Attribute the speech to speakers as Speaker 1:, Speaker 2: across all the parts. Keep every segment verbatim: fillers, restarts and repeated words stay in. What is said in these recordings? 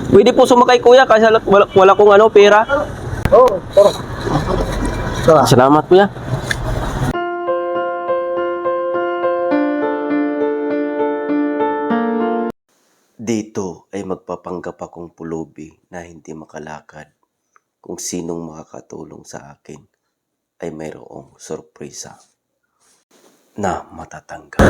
Speaker 1: Pwede po sumakay kuya kasi wala, wala kong ano, pera.
Speaker 2: Oo, oh, tara. Tara.
Speaker 1: Salamat kuya.
Speaker 3: Dito ay magpapanggap akong pulubi na hindi makalakad. Kung sinong makakatulong sa akin ay mayroong sorpresa na matatanggap.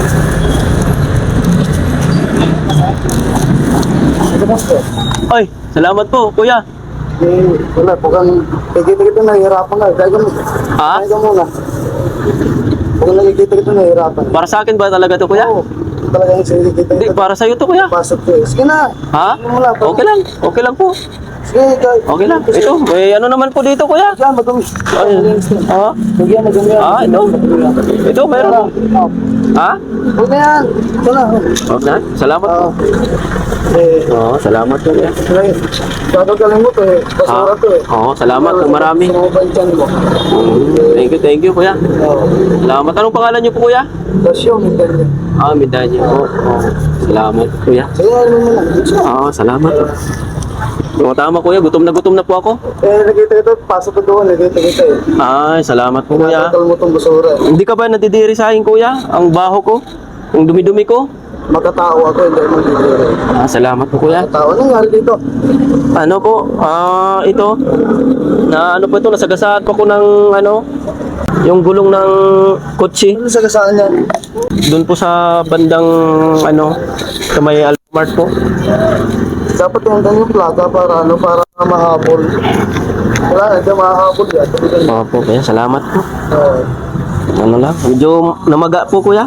Speaker 1: Ay, salamat po kuya.
Speaker 2: Eh, wala po kang nakikita-kita nahihirapan ka. Kaya ka mo.
Speaker 1: Ha?
Speaker 2: Kaya ka muna. Kung nakikita-kita nahihirapan.
Speaker 1: Para sa akin ba talaga to kuya?
Speaker 2: Oo. Talagang nakikita-kita.
Speaker 1: Hindi, para sa'yo to kuya.
Speaker 2: Pasok ko eh. Sige na.
Speaker 1: Ha?
Speaker 2: Sige muna.
Speaker 1: Okay lang, okay lang po.
Speaker 2: Sige, ikaw.
Speaker 1: Okay lang. Ito, may ano naman po dito kuya.
Speaker 2: Diyan, madumi.
Speaker 1: Ay, ha?
Speaker 2: Bigyan, madumi.
Speaker 1: Ah, ito. Ito, meron.
Speaker 2: Oh.
Speaker 1: Ha?
Speaker 2: Huwag na yan. Ito na.
Speaker 1: Okay na. Salamat po.
Speaker 2: Oo. Eh,
Speaker 1: Oo, salamat po kuya.
Speaker 2: sige. Gagagaling mo to eh. Basura to eh.
Speaker 1: Oo, salamat po marami.
Speaker 2: Sa mga bansyan mo.
Speaker 1: Mm, Thank you, thank you kuya.
Speaker 2: Oo.
Speaker 1: Salamat. Anong pangalan niyo po kuya?
Speaker 2: Dasyo, may ganyan.
Speaker 1: Ah, medalya po. Oh, salamat kuya.
Speaker 2: Sige, ano mo na.
Speaker 1: Oo, salamat. Oo, tama kuya. Gutom na gutom na po ako.
Speaker 2: Eh, nakita ito. Pasok ko doon. Nakita kita eh.
Speaker 1: Ay, salamat po kuya.
Speaker 2: Nakakal mo itong basura eh.
Speaker 1: Hindi ka ba nadidiri sa akin kuya? Ang baho ko? Ang dumi-dumi ko?
Speaker 2: Magkatao ako, hindi naman dito.
Speaker 1: Ah, salamat po kuya.
Speaker 2: Tao, anong nangyari dito?
Speaker 1: Ano po? Ah, ito. Na ano po ito? Nasagasaan pa ko ng ano? Yung gulong ng kotse.
Speaker 2: Ano sa kasaan yan?
Speaker 1: Doon po sa bandang ano? Sa may Almart po.
Speaker 2: Dapat yung kanyang plaga para ano, para mahabol. Wala, hindi mahabol yan.
Speaker 1: Opo, kaya salamat po.
Speaker 2: Oo.
Speaker 1: Ano lang? Medyo namaga po kuya.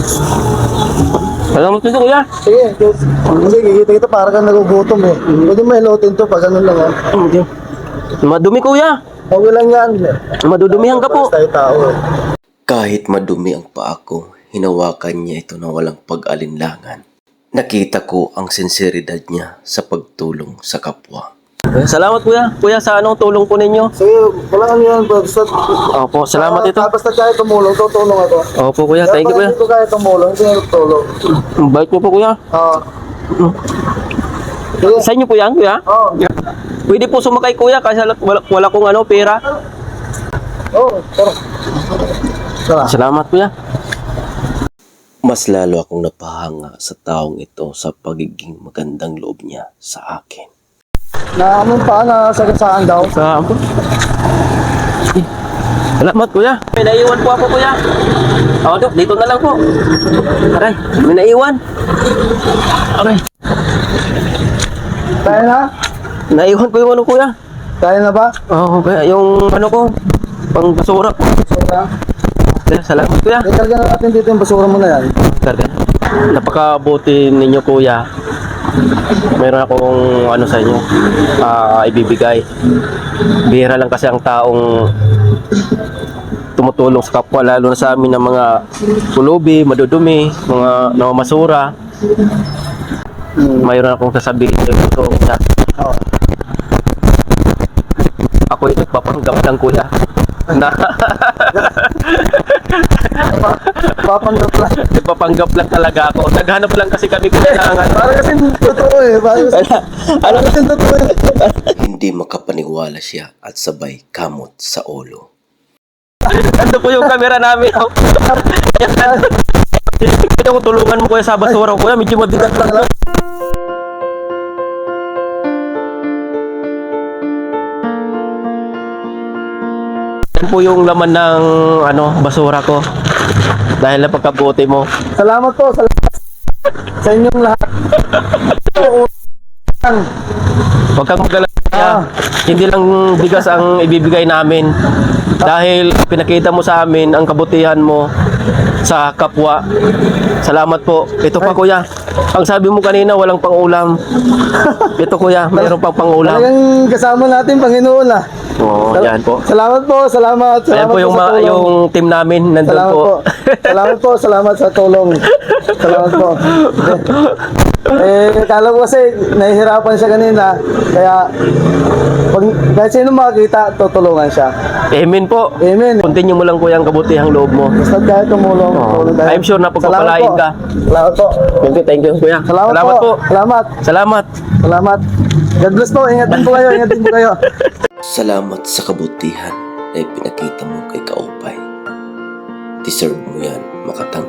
Speaker 1: Salamat po kuya.
Speaker 2: Sige, yes. Kasi kikita kita para kang nagugutom eh. Pwede mo hilotin to pag ano lang ah.
Speaker 1: Medyo madumi kuya.
Speaker 2: Okay lang yan.
Speaker 1: Madudumihan ka po.
Speaker 2: Basta tayo tao eh.
Speaker 3: Kahit madumi ang paa ko, hinawakan niya ito na walang pag-alinlangan. Nakita ko ang sinseridad niya sa pagtulong sa kapwa.
Speaker 1: Salamat kuya. Kuya sa anong tulong po ninyo?
Speaker 2: Sige, wala ano yan. Basta,
Speaker 1: Opo, salamat ito.
Speaker 2: Ah, basta kaya tumulong, tutulong ako.
Speaker 1: Opo kuya, thank you kuya.
Speaker 2: Hindi ko kaya tumulong, hindi ko tutulong.
Speaker 1: Bait niyo po kuya.
Speaker 2: Oo. Sige.
Speaker 1: Sa inyo po yan kuya?
Speaker 2: Oo.
Speaker 1: Pwede po sumakay kuya kasi wala, wala kong ano, pera.
Speaker 2: Oo, tara. Tara.
Speaker 1: Salamat kuya.
Speaker 3: Mas lalo akong napahanga sa taong ito sa pagiging magandang loob niya sa akin.
Speaker 2: Na anong pa na sagasaan daw?
Speaker 1: Sa po. Salamat kuya. May naiwan po ako kuya. O, dok, dito na lang po. Aray, may naiwan. Aray,
Speaker 2: Kaya na?
Speaker 1: naiwan ko yung ano kuya.
Speaker 2: Kaya na ba?
Speaker 1: Oo, kaya yung ano ko, pang basura ko.
Speaker 2: Basura.
Speaker 1: Kaya, salamat kuya.
Speaker 2: Eh, karga na natin dito yung basura mo na yan.
Speaker 1: Karga. Napakabuti ninyo kuya. Meron akong ano sa inyo, ah, ibibigay. Bihira lang kasi ang taong tumutulong sa kapwa, lalo na sa amin ng mga pulubi, madudumi, mga namamasura.
Speaker 2: Hmm.
Speaker 1: Mayroon akong sasabihin sa ito.
Speaker 2: Oo.
Speaker 3: Ako ito, papanggap lang kuya. Na,
Speaker 2: Papanggap lang.
Speaker 1: papanggap lang talaga ako. Naghanap lang kasi kami kuya ng ano.
Speaker 2: Para kasi totoo eh. Para kasi, para kasi totoo eh.
Speaker 3: Hindi makapaniwala siya at sabay kamot sa ulo.
Speaker 1: Ando po yung camera namin. Kaya ko tulungan mo kuya sa basura ko kuya. Medyo mabigat lang. Yan po yung laman ng ano basura ko. Dahil na pagkabuti mo.
Speaker 2: Salamat po. Salamat sa inyong lahat. Oo.
Speaker 1: Huwag kang magalala. Hindi lang bigas ang ibibigay namin. Dahil pinakita mo sa amin ang kabutihan mo sa kapwa. Salamat po. Ito pa kuya. Ang sabi mo kanina walang pang-ulam. Ito kuya, mayroon pang pang-ulam.
Speaker 2: Talagang kasama natin Panginoon ah.
Speaker 1: Oo,
Speaker 2: Sal-
Speaker 1: yan po.
Speaker 2: Salamat po, salamat.
Speaker 1: Ayan
Speaker 2: Salamat
Speaker 1: po yung,
Speaker 2: sa
Speaker 1: ma-
Speaker 2: tulong.
Speaker 1: yung team namin nandun
Speaker 2: Salamat
Speaker 1: po.
Speaker 2: po. Salamat po, salamat sa tulong. Salamat po. Eh, kala ko kasi nahihirapan siya kanina. Kaya, pag, kahit sino makakita, tutulungan siya.
Speaker 1: Amen po.
Speaker 2: Amen.
Speaker 1: Continue mo lang kuya ang kabutihang loob mo.
Speaker 2: Basta kahit tumulong, tulong tayo.
Speaker 1: I'm sure na pagpapalain
Speaker 2: Salamat po.
Speaker 1: ka.
Speaker 2: Salamat po.
Speaker 1: Thank you, thank you kuya.
Speaker 2: Salamat,
Speaker 1: Salamat
Speaker 2: po.
Speaker 1: po.
Speaker 2: Salamat.
Speaker 1: Salamat.
Speaker 2: Salamat. God bless po. Ingat din po kayo. Ingat din po kayo.
Speaker 3: Salamat sa kabutihan na ipinakita mo kay Kaupay. Deserve mo yan, makatang